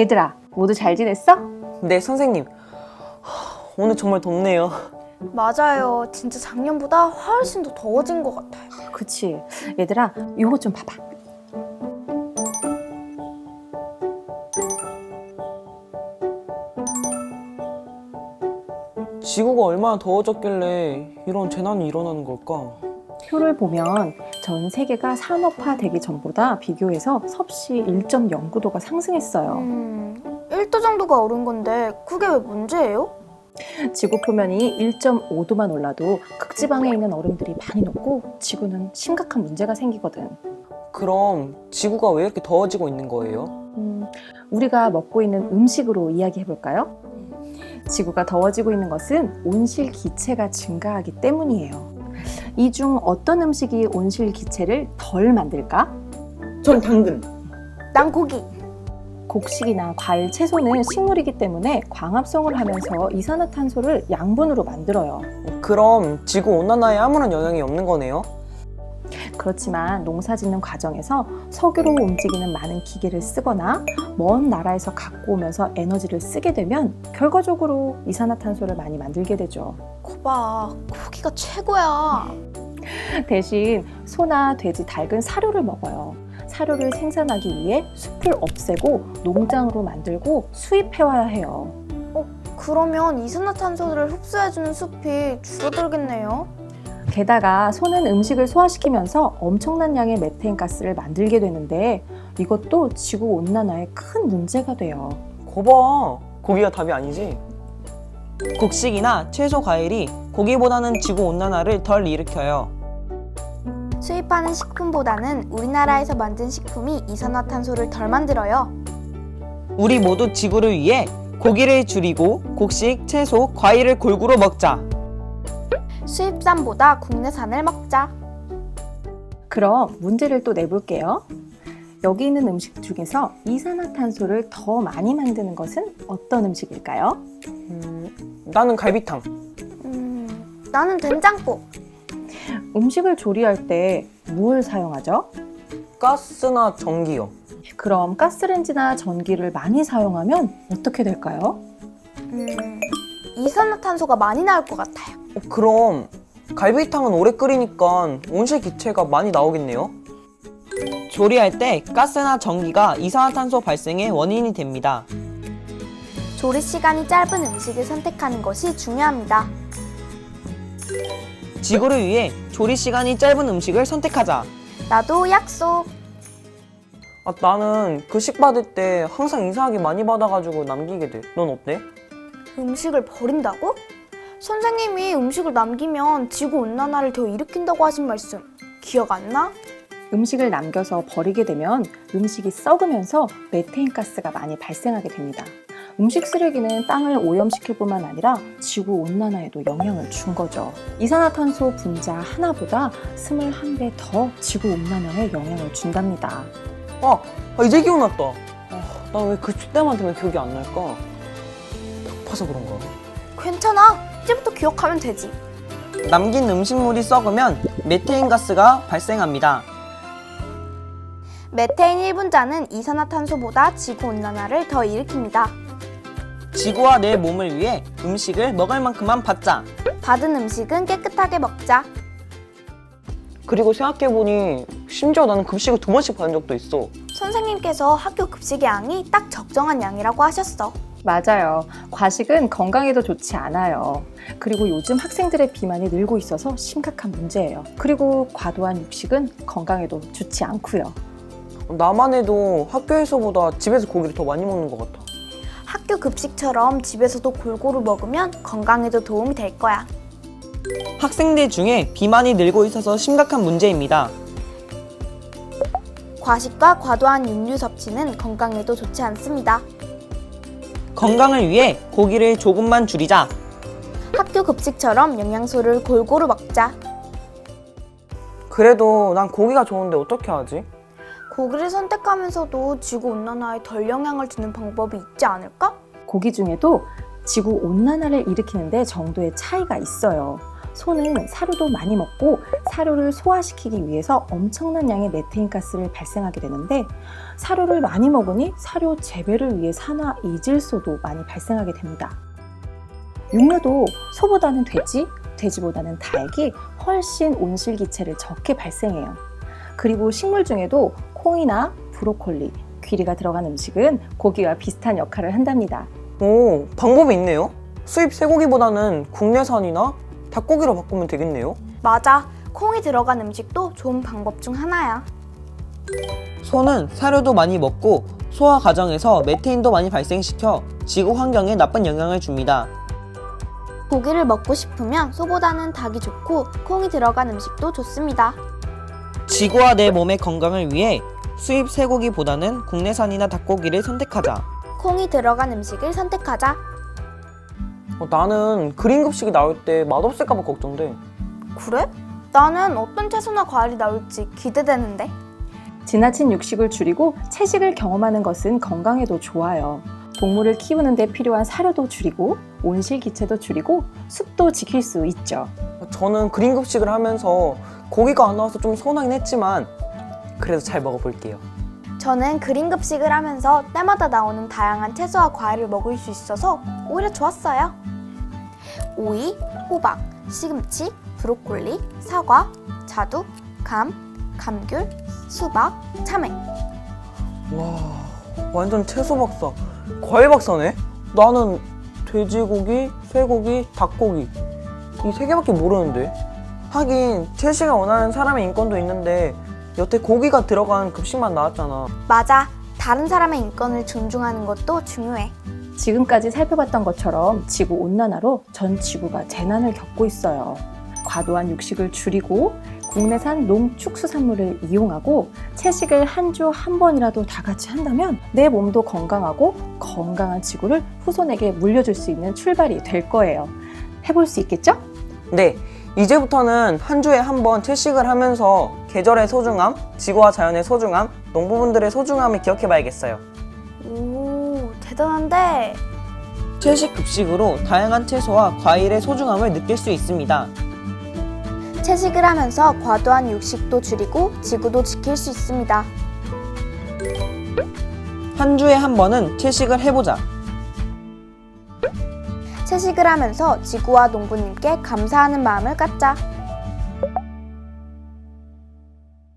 얘들아, 모두 잘 지냈어? 네, 선생님. 오늘 정말 덥네요. 맞아요. 진짜 작년보다 훨씬 더 더워진 것 같아요. 그치. 얘들아, 이거 좀 봐봐. 지구가 얼마나 더워졌길래 이런 재난이 일어나는 걸까? 표를 보면 전 세계가 산업화되기 전보다 비교해서 섭씨 1.09도가 상승했어요. 1도 정도가 오른 건데 그게 왜 문제예요? 지구 표면이 1.5도만 올라도 극지방에 있는 얼음들이 많이 녹고 지구는 심각한 문제가 생기거든. 그럼 지구가 왜 이렇게 더워지고 있는 거예요? 우리가 먹고 있는 음식으로 이야기해 볼까요? 지구가 더워지고 있는 것은 온실 기체가 증가하기 때문이에요. 이 중 어떤 음식이 온실 기체를 덜 만들까? 전 당근. 난 고기. 곡식이나 과일, 채소는 식물이기 때문에 광합성을 하면서 이산화탄소를 양분으로 만들어요. 그럼 지구 온난화에 아무런 영향이 없는 거네요? 그렇지만 농사 짓는 과정에서 석유로 움직이는 많은 기계를 쓰거나 먼 나라에서 갖고 오면서 에너지를 쓰게 되면 결과적으로 이산화탄소를 많이 만들게 되죠. 거봐, 고기가 최고야. 대신 소나 돼지, 닭은 사료를 먹어요. 사료를 생산하기 위해 숲을 없애고 농장으로 만들고 수입해와야 해요. 그러면 이산화탄소를 흡수해주는 숲이 줄어들겠네요. 게다가 소는 음식을 소화시키면서 엄청난 양의 메테인 가스를 만들게 되는데 이것도 지구 온난화에 큰 문제가 돼요. 거봐, 고기가 답이 아니지? 곡식이나 채소, 과일이 고기보다는 지구 온난화를 덜 일으켜요. 수입하는 식품보다는 우리나라에서 만든 식품이 이산화탄소를 덜 만들어요. 우리 모두 지구를 위해 고기를 줄이고 곡식, 채소, 과일을 골고루 먹자. 수입산보다 국내산을 먹자. 그럼 문제를 또 내볼게요. 여기 있는 음식 중에서 이산화탄소를 더 많이 만드는 것은 어떤 음식일까요? 나는 갈비탕. 나는 된장국. 음식을 조리할 때 뭘 사용하죠? 가스나 전기요. 그럼 가스레인지나 전기를 많이 사용하면 어떻게 될까요? 이산화탄소가 많이 나올 것 같아요. 그럼 갈비탕은 오래 끓이니까 온실 기체가 많이 나오겠네요? 조리할 때 가스나 전기가 이산화탄소 발생의 원인이 됩니다. 조리 시간이 짧은 음식을 선택하는 것이 중요합니다. 지구를 위해 조리 시간이 짧은 음식을 선택하자. 나도 약속. 나는 급식 받을 때 항상 이상하게 많이 받아가지고 남기게 돼. 넌 어때? 음식을 버린다고? 선생님이 음식을 남기면 지구온난화를 더 일으킨다고 하신 말씀 기억 안 나? 음식을 남겨서 버리게 되면 음식이 썩으면서 메테인 가스가 많이 발생하게 됩니다. 음식 쓰레기는 땅을 오염시킬 뿐만 아니라 지구 온난화에도 영향을 준 거죠. 이산화탄소 분자 하나보다 21배 더 지구 온난화에 영향을 준답니다. 이제 기억났다. 나 왜 급식 때만 되면 기억이 안 날까? 배고파서 그런가? 괜찮아. 이제부터 기억하면 되지. 남긴 음식물이 썩으면 메테인 가스가 발생합니다. 메테인 1분자는 이산화탄소보다 지구온난화를 더 일으킵니다. 지구와 내 몸을 위해 음식을 먹을 만큼만 받자. 받은 음식은 깨끗하게 먹자. 그리고 생각해보니 심지어 나는 급식을 2번씩 받은 적도 있어. 선생님께서 학교 급식의 양이 딱 적정한 양이라고 하셨어. 맞아요. 과식은 건강에도 좋지 않아요. 그리고 요즘 학생들의 비만이 늘고 있어서 심각한 문제예요. 그리고 과도한 육식은 건강에도 좋지 않고요. 나만 해도 학교에서보다 집에서 고기를 더 많이 먹는 것 같아. 학교 급식처럼 집에서도 골고루 먹으면 건강에도 도움이 될 거야. 학생들 중에 비만이 늘고 있어서 심각한 문제입니다. 과식과 과도한 육류 섭취는 건강에도 좋지 않습니다. 건강을 위해 고기를 조금만 줄이자. 학교 급식처럼 영양소를 골고루 먹자. 그래도 난 고기가 좋은데 어떻게 하지? 고기를 선택하면서도 지구온난화에 덜 영향을 주는 방법이 있지 않을까? 고기 중에도 지구 온난화를 일으키는데 정도의 차이가 있어요. 소는 사료도 많이 먹고 사료를 소화시키기 위해서 엄청난 양의 메테인 가스를 발생하게 되는데 사료를 많이 먹으니 사료 재배를 위해 산화 이질소도 많이 발생하게 됩니다. 육류도 소보다는 돼지, 돼지보다는 닭이 훨씬 온실기체를 적게 발생해요. 그리고 식물 중에도 콩이나 브로콜리, 귀리가 들어간 음식은 고기와 비슷한 역할을 한답니다. 오, 방법이 있네요. 수입 쇠고기보다는 국내산이나 닭고기로 바꾸면 되겠네요. 맞아. 콩이 들어간 음식도 좋은 방법 중 하나야. 소는 사료도 많이 먹고 소화 과정에서 메테인도 많이 발생시켜 지구 환경에 나쁜 영향을 줍니다. 고기를 먹고 싶으면 소보다는 닭이 좋고 콩이 들어간 음식도 좋습니다. 지구와 내 몸의 건강을 위해 수입 쇠고기보다는 국내산이나 닭고기를 선택하자. 콩이 들어간 음식을 선택하자. 나는 그린 급식이 나올 때 맛없을까 봐 걱정돼. 그래? 나는 어떤 채소나 과일이 나올지 기대되는데. 지나친 육식을 줄이고 채식을 경험하는 것은 건강에도 좋아요. 동물을 키우는 데 필요한 사료도 줄이고 온실기체도 줄이고 숲도 지킬 수 있죠. 저는 그린 급식을 하면서 고기가 안 나와서 좀 서운하긴 했지만 그래도 잘 먹어볼게요. 저는 그린 급식을 하면서 때마다 나오는 다양한 채소와 과일을 먹을 수 있어서 오히려 좋았어요. 오이, 호박, 시금치, 브로콜리, 사과, 자두, 감, 감귤, 수박, 참외. 와, 완전 채소 박사, 과일 박사네? 나는 돼지고기, 쇠고기, 닭고기 이 세 개밖에 모르는데. 하긴 채식을 원하는 사람의 인권도 있는데 여태 고기가 들어간 급식만 나왔잖아. 맞아. 다른 사람의 인권을 존중하는 것도 중요해. 지금까지 살펴봤던 것처럼 지구온난화로 전 지구가 재난을 겪고 있어요. 과도한 육식을 줄이고 국내산 농축수산물을 이용하고 채식을 한 주 한 번이라도 다 같이 한다면 내 몸도 건강하고 건강한 지구를 후손에게 물려줄 수 있는 출발이 될 거예요. 해볼 수 있겠죠? 네, 이제부터는 한 주에 한 번 채식을 하면서 계절의 소중함, 지구와 자연의 소중함, 농부분들의 소중함을 기억해봐야겠어요. 오, 대단한데? 채식 급식으로 다양한 채소와 과일의 소중함을 느낄 수 있습니다. 채식을 하면서 과도한 육식도 줄이고 지구도 지킬 수 있습니다. 한 주에 한 번은 채식을 해보자. 채식을 하면서 지구와 농부님께 감사하는 마음을 갖자.